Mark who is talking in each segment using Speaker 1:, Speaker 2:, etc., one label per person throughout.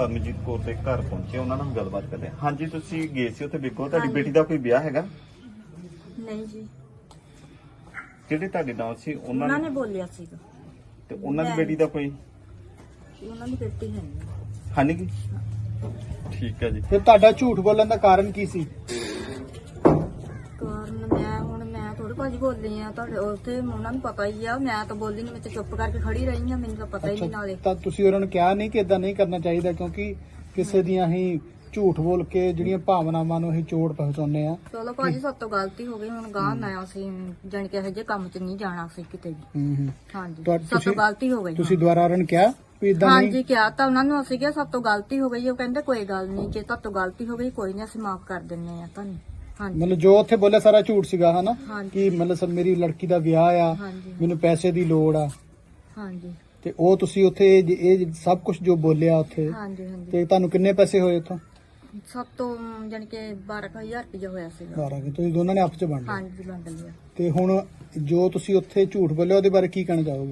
Speaker 1: ਪਰਮਜੀਤ ਕੌਰ ਦੇ ਘਰ ਪਹੁੰਚੇ, ਉਹਨਾਂ ਨਾਲ ਗੱਲਬਾਤ ਕਰਦੇ ਹਾਂ। ਹਾਂਜੀ, ਤੁਸੀਂ ਗਏ ਸੀ ਉੱਥੇ ਬਿੱਗੋ, ਤੁਹਾਡੀ ਬੇਟੀ ਦਾ ਕੋਈ ਵਿਆਹ ਹੈਗਾ?
Speaker 2: ਨਹੀਂ ਜੀ,
Speaker 1: ਜਿਹੜੇ ਤੁਹਾਡੇ ਨਾਲ ਸੀ
Speaker 2: ਉਹਨਾਂ ਨੇ ਬੋਲਿਆ ਸੀਗਾ
Speaker 1: ਤੇ ਉਹਨਾਂ ਦੀ ਬੇਟੀ ਦਾ ਕੋਈ
Speaker 2: ਉਹਨਾਂ ਦੀ ਬੇਟੀ ਹੈ ਨਹੀਂ।
Speaker 1: ਹੈ ਨੀ ਗੀ? ਠੀਕ ਹੈ ਜੀ।
Speaker 3: ਫਿਰ ਤੁਹਾਡਾ ਝੂਠ ਬੋਲਣ ਦਾ ਕਾਰਨ ਕੀ ਸੀ?
Speaker 2: ਕਾਰਨ ਮੈਂ ਥੋੜੇ ਭਾਜੀ ਬੋਲੀ ਆ, ਤੁਹਾਡੇ ਉੱਥੇ ਉਹਨਾਂ ਨੂੰ ਪਤਾ ਹੀ ਆ। ਮੈਂ ਤਾਂ ਬੋਲੀ ਨਹੀਂ, ਮੈਂ ਤਾਂ ਚੁੱਪ ਕਰਕੇ ਖੜੀ ਰਹੀ ਆ, ਮੈਨੂੰ ਤਾਂ ਪਤਾ ਹੀ ਨਹੀਂ ਨਾਲੇ।
Speaker 3: ਤਾਂ ਤੁਸੀਂ ਉਹਨਾਂ ਨੂੰ ਕਿਹਾ ਨਹੀਂ ਕਿ ਇਦਾਂ ਨਹੀਂ ਕਰਨਾ ਚਾਹੀਦਾ, ਕਿਉਂਕਿ ਕਿਸੇ ਦੀਆਂ ਹੀ ਝੂਠ ਬੋਲ ਕੇ ਜਿਹੜੀਆਂ ਭਾਵਨਾਵਾਂ ਨੂੰ ਅਸੀਂ ਚੋਟ ਪਹੁੰਚਾਉਂਦੇ ਆ।
Speaker 2: ਚਲੋ ਭਾਜੀ, ਸਭ ਤੋਂ ਗਲਤੀ ਹੋ ਗਈ, ਹੁਣ ਗਾਹ ਨਾ ਅਸੀਂ ਜਾਣ ਕੇ ਇਹੋ ਜਿਹੇ ਕੰਮ 'ਚ ਨਹੀਂ ਜਾਣਾ ਸੀ ਕਿਤੇ ਵੀ। ਹਾਂਜੀ, ਸਭ ਤੋਂ ਗਲਤੀ ਹੋ ਗਈ।
Speaker 3: ਤੁਸੀਂ ਦੁਬਾਰਾ ਉਹਨਾਂ ਨੂੰ ਕਿਹਾ ਵੀ ਇਦਾਂ ਨਹੀਂ?
Speaker 2: ਹਾਂਜੀ, ਕਿਹਾ ਤਾਂ ਉਹਨਾਂ ਨੂੰ ਅਸੀਂ ਕਿਹਾ ਸਭ ਤੋਂ ਗਲਤੀ ਹੋ ਗਈ। ਉਹ ਕਹਿੰਦੇ ਕੋਈ ਗੱਲ ਨਹੀਂ, ਜੇ ਤੁਹਾਡੇ ਤੋਂ ਗਲਤੀ ਹੋ ਗਈ ਕੋਈ ਨਹੀਂ, ਅਸੀਂ ਮਾਫ ਕਰ ਦਿੰਨੇ ਆ ਤੁਹਾਨੂੰ। ਹਾਂਜੀ,
Speaker 3: ਮਤਲਬ ਜੋ ਉੱਥੇ ਬੋਲਿਆ ਸਾਰਾ ਝੂਠ ਸੀਗਾ, ਹਨਾ?
Speaker 2: ਹਾਂਜੀ।
Speaker 3: ਕਿ ਮਤਲਬ ਸਭ ਮੇਰੀ ਲੜਕੀ ਦਾ ਵਿਆਹ ਆ,
Speaker 2: ਹਾਂਜੀ,
Speaker 3: ਮੈਨੂੰ ਪੈਸੇ ਦੀ ਲੋੜ ਆ,
Speaker 2: ਹਾਂਜੀ,
Speaker 3: ਤੇ ਉਹ ਤੁਸੀਂ ਉੱਥੇ ਇਹ ਸਭ ਕੁਝ ਜੋ ਬੋਲਿਆ ਉੱਥੇ,
Speaker 2: ਹਾਂਜੀ, ਹਾਂਜੀ।
Speaker 3: ਤੇ ਤੁਹਾਨੂੰ ਕਿੰਨੇ ਪੈਸੇ ਹੋਏ ਉੱਥੋਂ?
Speaker 2: ਸਭ ਤੋਂ ਜਾਣੀ ਕਿ 12,000 ਰੁਪਇਆ ਹੋਇਆ ਸੀਗਾ।
Speaker 3: 12 ਕਿ ਤੁਸੀਂ ਦੋਨਾਂ ਨੇ ਆਪਸ ਚ ਵੰਡ ਲਿਆ।
Speaker 2: ਹਾਂਜੀ, ਵੰਡ ਲਿਆ।
Speaker 3: ਤੇ ਹੁਣ ਜੋ ਤੁਸੀਂ ਉੱਥੇ ਝੂਠ ਬੋਲਿਆ ਉਹਦੇ ਬਾਰੇ ਕੀ ਕਹਿਣਾ ਚਾਹੋਗੇ?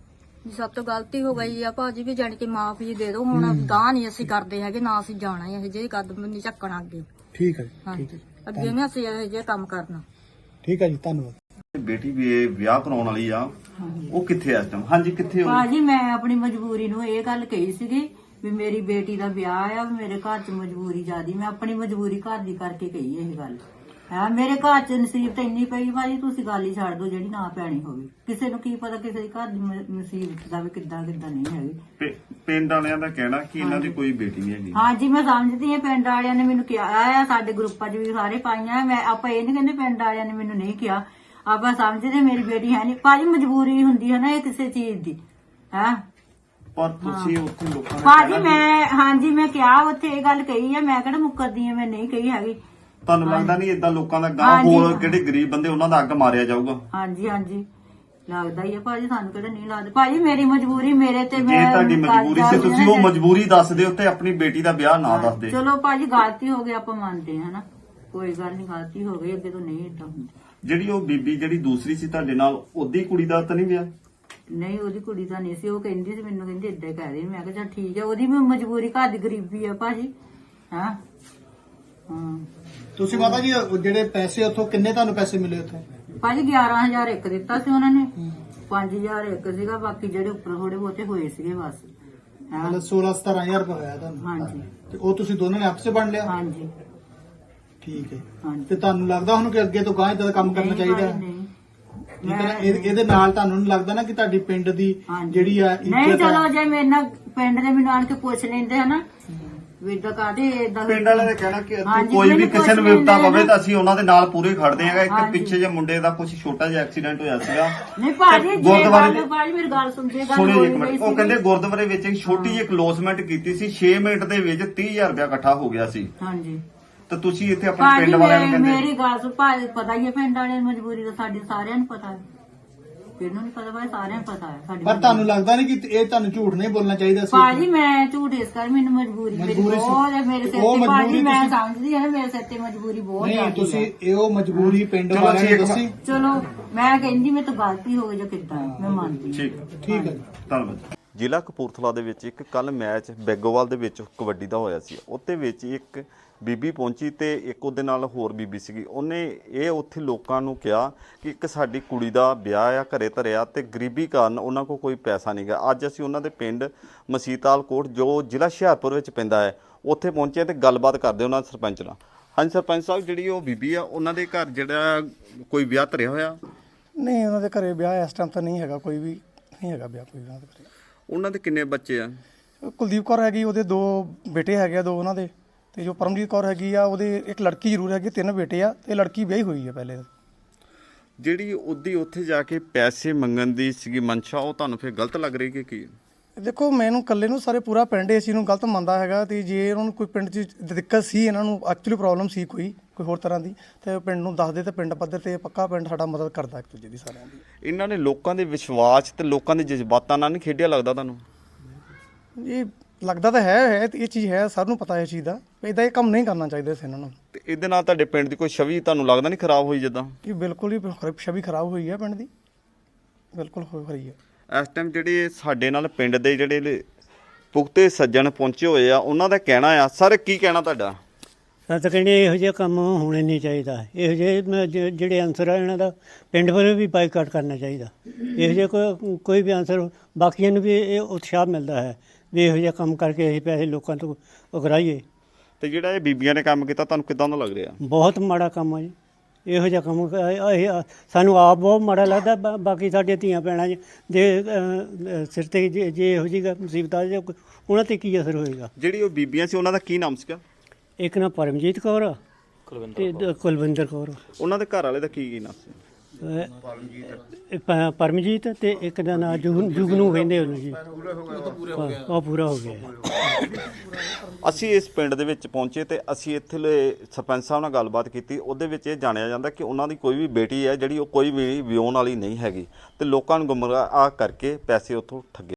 Speaker 2: ਸਭ ਤੋਂ ਗਲਤੀ ਹੋ ਗਈ ਆ ਭਾਜੀ, ਵੀ ਜਾਣੀ ਕਿ ਮਾਫੀ ਦੇ ਦਿਓ। ਹੁਣ ਗਾਹ ਨਹੀਂ ਅਸੀਂ ਕਰਦੇ ਹੈਗੇ, ਨਾ ਅਸੀਂ ਜਾਣਾ ਇਹ ਜਿਹੇ ਕਦਮ ਨਹੀਂ ਚੱਕਣਾ ਅੱਗੇ।
Speaker 3: ਠੀਕ ਹੈ ਜੀ,
Speaker 2: ਹਾਂਜੀ,
Speaker 3: ਠੀਕ ਹੈ,
Speaker 2: ਅੱਗੇ ਨਹੀਂ ਅਸੀਂ ਇਹ ਜਿਹੇ ਕੰਮ ਕਰਨਾ।
Speaker 3: ਠੀਕ ਹੈ ਜੀ, ਧੰਨਵਾਦ।
Speaker 1: ਬੇਟੀ ਵੀ ਇਹ ਵਿਆਹ ਕਰਾਉਣ ਵਾਲੀ ਆ, ਉਹ ਕਿੱਥੇ ਆ ਇਸ ਟਾਈਮ? ਹਾਂਜੀ, ਕਿੱਥੇ ਹੋ?
Speaker 4: ਭਾਜੀ ਮੈਂ ਆਪਣੀ ਮਜਬੂਰੀ ਨੂੰ ਇਹ ਗੱਲ ਕਹੀ ਸੀਗੀ ਵੀ ਮੇਰੀ ਬੇਟੀ ਦਾ ਵਿਆਹ ਆ, ਮੇਰੇ ਘਰ 'ਚ ਮਜਬੂਰੀ ਜ਼ਿਆਦੀ, ਮੈਂ ਆਪਣੀ ਮਜਬੂਰੀ ਘਰ ਦੀ ਕਰਕੇ ਕਹੀ ਇਹ ਗੱਲ। ਹਾਂ, ਮੇਰੇ ਘਰ 'ਚ ਨਸੀਬਤ ਇੰਨੀ ਪਈ ਭਾਜੀ, ਤੁਸੀਂ ਗੱਲ ਹੀ ਛੱਡ ਦਿਓ ਜਿਹੜੀ ਨਾ ਪੈਣੀ ਹੋਵੇ। ਕਿਸੇ ਨੂੰ ਕੀ ਪਤਾ ਕਿਸੇ ਦੇ ਘਰ ਦੀ ਨਸੀਬਤ ਦਾ ਵੀ ਕਿੱਦਾਂ ਨਹੀਂ ਹੈਗੀ।
Speaker 1: ਪਿੰਡ ਵਾਲਿਆਂ ਦਾ ਕਹਿਣਾ ਕਿ ਇਹਨਾਂ ਦੀ ਕੋਈ ਬੇਟੀ ਨਹੀਂ ਹੈਗੀ।
Speaker 4: ਹਾਂਜੀ, ਮੈਂ ਸਮਝਦੀ ਹਾਂ, ਪਿੰਡ ਵਾਲਿਆਂ ਨੇ ਮੈਨੂੰ ਕਿਹਾ ਆ, ਸਾਡੇ ਗਰੁੱਪਾਂ 'ਚ ਵੀ ਸਾਰੇ ਪਾਈਆਂ। ਮੈਂ ਆਪਾਂ ਇਹ ਨਹੀਂ ਕਹਿੰਦੇ ਪਿੰਡ ਵਾਲਿਆਂ ਨੇ ਮੈਨੂੰ ਨਹੀਂ ਕਿਹਾ, ਆਪਾਂ ਸਮਝਦੇ ਮੇਰੀ ਬੇਟੀ ਹੈ ਨਹੀਂ। ਭਾਜੀ ਮਜਬੂਰੀ ਹੁੰਦੀ ਹੈ ਨਾ ਇਹ ਕਿਸੇ ਚੀਜ਼ ਦੀ, ਹੈ।
Speaker 1: ਪਰ ਤੁਸੀਂ ਉੱਥੇ ਲੋਕਾਂ ਨੇ
Speaker 4: ਭਾਜੀ ਮੈਂ ਕਿਹਾ ਉੱਥੇ ਇਹ ਗੱਲ ਕਹੀ ਆ, ਮੈਂ ਕਿਹੜਾ ਮੁੱਕਰਦੀ ਆ, ਮੈਂ ਨਹੀਂ ਕਹੀ ਹੈਗੀ।
Speaker 1: ਤੁਹਾਨੂੰ ਲੱਗਦਾ ਨਹੀਂ ਏਦਾਂ ਲੋਕਾਂ ਦਾ ਗਾਂ ਹੋਰ ਜਿਹੜੇ ਗਰੀਬ ਬੰਦੇ ਉਹਨਾਂ ਦਾ ਅੱਗ ਮਾਰਿਆ ਜਾਊਗਾ?
Speaker 4: ਹਾਂਜੀ, ਲੱਗਦਾ ਹੀ ਆ ਭਾਜੀ, ਸਾਨੂੰ ਕਿਹੜਾ ਨਹੀਂ ਲੱਗਦਾ। ਭਾਜੀ ਮੇਰੀ ਮਜਬੂਰੀ ਮੇਰੇ ਤੇ,
Speaker 1: ਜੇ
Speaker 4: ਮੈਂ
Speaker 1: ਤੁਹਾਡੀ ਮਜਬੂਰੀ ਸੀ ਤੁਸੀਂ ਉਹ ਮਜਬੂਰੀ ਦੱਸ ਦਿਓ ਤੇ ਆਪਣੀ ਬੇਟੀ ਦਾ ਵਿਆਹ ਨਾ ਦੱਸਦੇ।
Speaker 4: ਚਲੋ ਭਾਜੀ ਗਲਤੀ ਹੋ ਗਈ, ਆਪਾਂ ਮੰਨਦੇ ਹਾਂ ਨਾ, ਕੋਈ ਗੱਲ ਨਹੀਂ, ਗਲਤੀ ਹੋ ਗਈ, ਅੱਗੇ ਤੋਂ ਨਹੀਂ ਏਦਾਂ ਹੁੰਦਾ।
Speaker 1: ਜਿਹੜੀ ਉਹ ਬੀਬੀ ਜਿਹੜੀ ਦੂਸਰੀ ਸੀ ਤੁਹਾਡੇ ਨਾਲ, ਉਹਦੀ ਕੁੜੀ ਦਾ ਤਾਂ ਨਹੀਂ ਵਿਆਹ?
Speaker 4: ਨਹੀਂ, ਉਹਦੀ ਕੁੜੀ ਤਾਂ ਨਹੀਂ ਸੀ, ਉਹ ਕਹਿੰਦੀ ਸੀ ਮੈਨੂੰ, ਕਹਿੰਦੀ ਏਦਾਂ ਕਹਿ ਰਹੀ। ਮੈਂ ਕਿਹਾ ਚੱਲ ਠੀਕ ਹੈ, ਉਹਦੀ ਵੀ ਮਜਬੂਰੀ, ਘਰ ਦੀ ਗਰੀਬੀ ਆ ਭਾਜੀ। ਹਾਂ।
Speaker 3: ਤੁਸੀਂ ਮਾਤਾ ਜੀ ਜਿਹੜੇ ਪੈਸੇ ਉੱਥੋਂ ਕਿੰਨੇ ਤੁਹਾਨੂੰ ਪੈਸੇ ਮਿਲੇ ਉੱਥੋਂ?
Speaker 4: ਭਾਜੀ 11,000 ਇੱਕ ਦਿੱਤਾ ਸੀ ਉਹਨਾਂ ਨੇ, 5,000 ਇੱਕ ਸੀਗਾ, ਬਾਕੀ ਜਿਹੜੇ ਉੱਪਰ ਥੋੜੇ ਬਹੁਤੇ ਹੋਏ ਸੀਗੇ ਬਸ।
Speaker 3: ਮਤਲਬ 16-17,000 ਰੁਪਏ ਹੋਇਆ ਤੁਹਾਨੂੰ?
Speaker 4: ਹਾਂਜੀ,
Speaker 3: ਤੇ ਉਹ ਤੁਸੀਂ ਦੋਨਾਂ ਨੇ ਆਪਸੇ ਵੰਡ ਲਿਆ?
Speaker 4: ਹਾਂਜੀ,
Speaker 3: ਠੀਕ ਹੈ।
Speaker 4: ਹਾਂਜੀ।
Speaker 3: ਤੇ ਤੁਹਾਨੂੰ ਲੱਗਦਾ ਹੁਣ ਕਿ ਅੱਗੇ ਤੋਂ ਗਾਂ ਇਦਾਂ ਦਾ ਕੰਮ ਕਰਨਾ ਚਾਹੀਦਾ ਹੈ?
Speaker 4: ਨਹੀਂ,
Speaker 3: ਠੀਕ ਹੈ ਨਾ? ਇਹਦੇ ਨਾਲ ਤੁਹਾਨੂੰ ਨਹੀਂ ਲੱਗਦਾ ਨਾ ਕਿ ਤੁਹਾਡੀ ਪਿੰਡ ਦੀ ਜਿਹੜੀ ਆ
Speaker 4: ਨਹੀਂ, ਚਲੋ ਜੇ ਮੇਰੇ ਨਾਲ ਪਿੰਡ ਦੇ ਮੈਨੂੰ ਆਣ ਕੇ ਪੁੱਛ ਲੈਂਦੇ ਹਨਾ ਵੀ ਏਦਾਂ ਕਾਹਦੇ ਏਦਾਂ।
Speaker 1: ਪਿੰਡ ਵਾਲਿਆਂ ਨੇ ਕਹਿਣਾ ਕਿ ਕੋਈ ਵੀ ਕਿਸੇ ਨੂੰ ਵਿਪਤਾ ਪਵੇ ਤਾਂ ਅਸੀਂ ਉਹਨਾਂ ਦੇ ਨਾਲ ਪੂਰੇ ਖੜਦੇ ਆਂਗੇ। ਇੱਕ ਪਿੱਛੇ ਜੇ ਮੁੰਡੇ ਦਾ ਕੁਝ ਛੋਟਾ ਜਿਹਾ ਐਕਸੀਡੈਂਟ ਹੋਇਆ ਸੀਗਾ।
Speaker 4: ਨਹੀਂ ਭਾਜੀ,
Speaker 1: ਗੁਰਦੁਆਰੇ
Speaker 4: ਭਾਜੀ ਮੇਰੀ ਗੱਲ ਸੁਣਦੇ,
Speaker 1: ਸੁਣਿਓ ਇੱਕ ਮਿੰਟ। ਉਹ ਕਹਿੰਦੇ ਗੁਰਦੁਆਰੇ ਵਿੱਚ ਇੱਕ ਛੋਟੀ ਜਿਹੀ ਕਲੋਜ਼ਮੈਂਟ ਕੀਤੀ ਸੀ, 6 ਮਿੰਟ ਦੇ ਵਿੱਚ 30,000 ਰੁਪਇਆ ਇਕੱਠਾ ਹੋ ਗਿਆ ਸੀ।
Speaker 4: ਹਾਂਜੀ,
Speaker 1: ਤਾਂ ਤੁਸੀਂ ਇੱਥੇ ਆਪਣੇ ਪਿੰਡ ਵਾਲਿਆਂ ਨੂੰ ਕਹਿੰਦੇ?
Speaker 4: ਮੇਰੀ ਗੱਲ ਸੁਣ ਭਾਜੀ, ਪਤਾ ਹੀ ਹੈ ਪਿੰਡ ਵਾਲਿਆਂ ਦੀ ਮਜਬੂਰੀ ਦਾ, ਸਾਡੀ ਸਾਰਿਆਂ ਨੂੰ ਪਤਾ ਹੈ। ਕਿਹਨੂੰ ਨਹੀਂ ਪਤਾ ਭਾਈ, ਸਾਰਿਆਂ ਨੂੰ ਪਤਾ ਹੈ ਸਾਡੀ।
Speaker 3: ਪਰ ਤੁਹਾਨੂੰ ਲੱਗਦਾ ਨਹੀਂ ਕਿ ਇਹ ਤੁਹਾਨੂੰ ਝੂਠ ਨਹੀਂ ਬੋਲਣਾ ਚਾਹੀਦਾ ਸੀ?
Speaker 4: ਭਾਜੀ ਮੈਂ ਝੂਠ ਇਸ ਕਰ, ਮੈਨੂੰ ਮਜਬੂਰੀ ਮੇਰੀ ਬਹੁਤ ਹੈ, ਮੇਰੇ ਸਿਰ ਤੇ ਭਾਜੀ, ਮੈਂ ਸਮਝਦੀ ਹਾਂ ਮੇਰੇ ਸਿਰ ਤੇ ਮਜਬੂਰੀ ਬਹੁਤ ਹੈ।
Speaker 3: ਨਹੀਂ, ਤੁਸੀਂ ਇਹੋ ਮਜਬੂਰੀ ਪਿੰਡ ਵਾਲਿਆਂ ਨੇ ਦੱਸੀ?
Speaker 4: ਚਲੋ ਮੈਂ ਕਹਿੰਦੀ ਮੇਰੇ ਤੋਂ ਗਲਤੀ ਹੋ ਗਈ ਜਾਂ ਕਿੱਦਾਂ, ਮੈਂ ਮੰਨਦੀ।
Speaker 3: ਠੀਕ ਹੈ,
Speaker 1: ਧੰਨਵਾਦ। ਜ਼ਿਲ੍ਹਾ ਕਪੂਰਥਲਾ ਦੇ ਵਿੱਚ ਇੱਕ ਕੱਲ ਮੈਚ ਬੈਗੋਵਾਲ ਦੇ ਵਿੱਚ ਕਬੱਡੀ ਦਾ ਹੋਇਆ ਸੀ। ਉੱਤੇ ਵਿੱਚ ਇੱਕ ਬੀਬੀ ਪਹੁੰਚੀ ਤੇ ਇੱਕ ਉਹਦੇ ਨਾਲ ਹੋਰ ਬੀਬੀ ਸੀਗੀ। ਉਹਨੇ ਇਹ ਉੱਥੇ ਲੋਕਾਂ ਨੂੰ ਕਿਹਾ ਕਿ ਇੱਕ ਸਾਡੀ ਕੁੜੀ ਦਾ ਵਿਆਹ ਆ, ਘਰੇ ਧਰਿਆ, ਤੇ ਗਰੀਬੀ ਕਾਰਨ ਉਹਨਾਂ ਕੋਲ ਕੋਈ ਪੈਸਾ ਨਹੀਂ ਗਾ। ਅੱਜ ਅਸੀਂ ਉਹਨਾਂ ਦੇ ਪਿੰਡ ਮਸੀਤਾਲ ਕੋਟ ਜੋ ਜ਼ਿਲ੍ਹਾ ਹੁਸ਼ਿਆਰਪੁਰ ਵਿੱਚ ਪੈਂਦਾ ਹੈ, ਉੱਥੇ ਪਹੁੰਚੇ ਤੇ ਗੱਲਬਾਤ ਕਰਦੇ ਉਹਨਾਂ ਦੇ ਸਰਪੰਚ ਨਾਲ। ਹਾਂਜੀ ਸਰਪੰਚ ਸਾਹਿਬ, ਜਿਹੜੀ ਉਹ ਬੀਬੀ ਆ ਉਹਨਾਂ ਦੇ ਘਰ ਜਿਹੜਾ ਕੋਈ ਵਿਆਹ ਧਰਿਆ ਹੋਇਆ?
Speaker 3: ਨਹੀਂ, ਉਹਨਾਂ ਦੇ ਘਰੇ ਵਿਆਹ ਇਸ ਟਾਈਮ ਤਾਂ ਨਹੀਂ ਹੈਗਾ, ਕੋਈ ਵੀ ਨਹੀਂ ਹੈਗਾ ਵਿਆਹ ਕੋਈ ਉਹਨਾਂ ਦੇ ਘਰੇ।
Speaker 1: ਉਹਨਾਂ ਦੇ ਕਿੰਨੇ ਬੱਚੇ ਆ?
Speaker 3: ਕੁਲਦੀਪ ਕੌਰ ਹੈਗੀ, ਉਹਦੇ 2 ਬੇਟੇ ਹੈਗੇ ਆ, 2 ਉਹਨਾਂ ਦੇ। ਤੇ ਜੋ ਪਰਮਜੀਤ ਕੌਰ ਹੈਗੀ ਆ, ਉਹਦੇ ਇੱਕ ਲੜਕੀ ਜ਼ਰੂਰ ਹੈਗੀ, 3 ਬੇਟੇ ਆ, ਤੇ ਲੜਕੀ ਵਿਆਹੀ ਹੋਈ ਆ ਪਹਿਲੇ।
Speaker 1: ਜਿਹੜੀ ਉਹਦੀ ਉੱਥੇ ਜਾ ਕੇ ਪੈਸੇ ਮੰਗਣ ਦੀ ਸੀਗੀ ਮਨਸ਼ਾ, ਉਹ ਤੁਹਾਨੂੰ ਫਿਰ ਗਲਤ ਲੱਗ ਰਹੀ ਕਿ ਕੀ?
Speaker 3: ਦੇਖੋ, ਮੈਨੂੰ ਇਕੱਲੇ ਨੂੰ ਸਾਰੇ ਪੂਰਾ ਪਿੰਡ ਇਸ ਚੀਜ਼ ਨੂੰ ਗਲਤ ਮੰਨਦਾ ਹੈਗਾ। ਤੇ ਜੇ ਉਹਨਾਂ ਨੂੰ ਕੋਈ ਪਿੰਡ 'ਚ ਦਿੱਕਤ ਸੀ, ਇਹਨਾਂ ਨੂੰ ਐਕਚੁਅਲੀ ਪ੍ਰੋਬਲਮ ਸੀ ਕੋਈ ਹੋਰ ਤਰ੍ਹਾਂ ਦੀ, ਤੇ ਪਿੰਡ ਨੂੰ ਦੱਸਦੇ ਤੇ ਪਿੰਡ ਪੱਧਰ ਤੇ ਪੱਕਾ ਪਿੰਡ ਸਾਡਾ ਮਦਦ ਕਰਦਾ ਇੱਕ ਦੂਜੇ ਦੀ, ਸਾਰਿਆਂ ਦੀ।
Speaker 1: ਇਹਨਾਂ ਨੇ ਲੋਕਾਂ ਦੇ ਵਿਸ਼ਵਾਸ ਤੇ ਲੋਕਾਂ ਦੇ ਜਜ਼ਬਾਤਾਂ ਨਾਲ ਨਹੀਂ ਖੇਡਿਆ ਲੱਗਦਾ ਤੁਹਾਨੂੰ?
Speaker 3: ਇਹ ਲੱਗਦਾ ਤਾਂ ਹੈ ਇਹ ਚੀਜ਼ ਹੈ, ਸਭ ਨੂੰ ਪਤਾ ਇਹ ਚੀਜ਼ ਦਾ। ਇਦਾਂ ਇਹ ਕੰਮ ਨਹੀਂ ਕਰਨਾ ਚਾਹੀਦਾ ਸੀ ਇਹਨਾਂ ਨੂੰ।
Speaker 1: ਤੇ ਇਹਦੇ ਨਾਲ ਤੁਹਾਡੇ ਪਿੰਡ ਦੀ ਕੋਈ ਛਵੀ ਤੁਹਾਨੂੰ ਲੱਗਦਾ ਨਹੀਂ ਖਰਾਬ ਹੋਈ? ਜਿੱਦਾਂ
Speaker 3: ਇਹ ਬਿਲਕੁਲ ਹੀ ਛਵੀ ਖਰਾਬ ਹੋਈ ਹੈ ਪਿੰਡ ਦੀ, ਬਿਲਕੁਲ ਹੋ ਰਹੀ ਹੈ।
Speaker 1: ਇਸ ਟਾਈਮ ਜਿਹੜੇ ਸਾਡੇ ਨਾਲ ਪਿੰਡ ਦੇ ਜਿਹੜੇ ਪੁਖਤੇ ਸੱਜਣ ਪਹੁੰਚੇ ਹੋਏ ਆ, ਉਹਨਾਂ ਦਾ ਕਹਿਣਾ ਆ। ਸਰ ਕੀ ਕਹਿਣਾ ਤੁਹਾਡਾ?
Speaker 5: ਤਾਂ ਕਹਿੰਦੇ ਇਹੋ ਜਿਹਾ ਕੰਮ ਹੋਣੇ ਨਹੀਂ ਚਾਹੀਦਾ। ਇਹੋ ਜਿਹੇ ਜਿਹੜੇ ਅਨਸਰ ਆ ਇਹਨਾਂ ਦਾ ਪਿੰਡ ਵੱਲੋਂ ਵੀ ਬਾਈਕਾਟ ਕਰਨਾ ਚਾਹੀਦਾ। ਇਹੋ ਜਿਹਾ ਕੋਈ ਵੀ ਅਨਸਰ, ਬਾਕੀਆਂ ਨੂੰ ਵੀ ਇਹ ਉਤਸ਼ਾਹ ਮਿਲਦਾ ਹੈ ਵੀ ਇਹੋ ਜਿਹਾ ਕੰਮ ਕਰਕੇ ਅਸੀਂ ਪੈਸੇ ਲੋਕਾਂ ਤੋਂ ਉਗਰਾਈਏ।
Speaker 1: ਤੇ ਜਿਹੜਾ ਇਹ ਬੀਬੀਆਂ ਨੇ ਕੰਮ ਕੀਤਾ ਤੁਹਾਨੂੰ ਕਿੱਦਾਂ ਦਾ ਲੱਗ ਰਿਹਾ?
Speaker 5: ਬਹੁਤ ਮਾੜਾ ਕੰਮ ਆ ਜੀ ਇਹੋ ਜਿਹਾ ਕੰਮ। ਇਹ ਸਾਨੂੰ ਆਪ ਬਹੁਤ ਮਾੜਾ ਲੱਗਦਾ। ਬਾਕੀ ਸਾਡੇ ਧੀਆਂ ਭੈਣਾਂ ਦੇ ਸਿਰ 'ਤੇ ਜੇ ਇਹੋ ਜਿਹੀ ਮੁਸੀਬਤ ਆ ਜਾਏ ਉਹਨਾਂ 'ਤੇ ਕੀ ਅਸਰ ਹੋਏਗਾ? ਜਿਹੜੀ
Speaker 1: ਉਹ ਬੀਬੀਆਂ ਸੀ ਉਹਨਾਂ ਦਾ ਕੀ ਨਾਮ ਸੀਗਾ?
Speaker 5: ਇੱਕ ਨਾ ਪਰਮਜੀਤ ਕੌਰ ਆ ਤੇ ਕੁਲਵਿੰਦਰ ਕੌਰ।
Speaker 1: ਉਹਨਾਂ ਦੇ ਘਰ ਵਾਲੇ ਦਾ ਕੀ ਨਾਮ ਸੀ?
Speaker 5: ਪਰਮਜੀਤ ਤੇ ਇੱਕ ਦਾ ਨਾਂ ਜੁਗਨੂ ਕਹਿੰਦੇ ਉਹਨੂੰ ਜੀ। ਉਹ ਪੂਰਾ ਹੋ ਗਿਆ।
Speaker 1: ਅਸੀਂ ਇਸ ਪਿੰਡ ਦੇ ਵਿੱਚ ਪਹੁੰਚੇ ਤੇ ਅਸੀਂ ਇੱਥੇ ਸਰਪੰਚ ਸਾਹਿਬ ਨਾਲ ਗੱਲਬਾਤ ਕੀਤੀ। ਉਹਦੇ ਵਿੱਚ ਇਹ ਜਾਣਿਆ ਜਾਂਦਾ ਕਿ ਉਹਨਾਂ ਦੀ ਕੋਈ ਵੀ ਬੇਟੀ ਹੈ ਜਿਹੜੀ ਉਹ ਕੋਈ ਵੀ ਵਿਆਹੁਣ ਵਾਲੀ ਨਹੀਂ ਹੈਗੀ ਤੇ ਲੋਕਾਂ ਨੂੰ ਗੁੰਮਰਾਹ ਕਰਕੇ ਪੈਸੇ ਉੱਥੋਂ ਠੱਗੇ।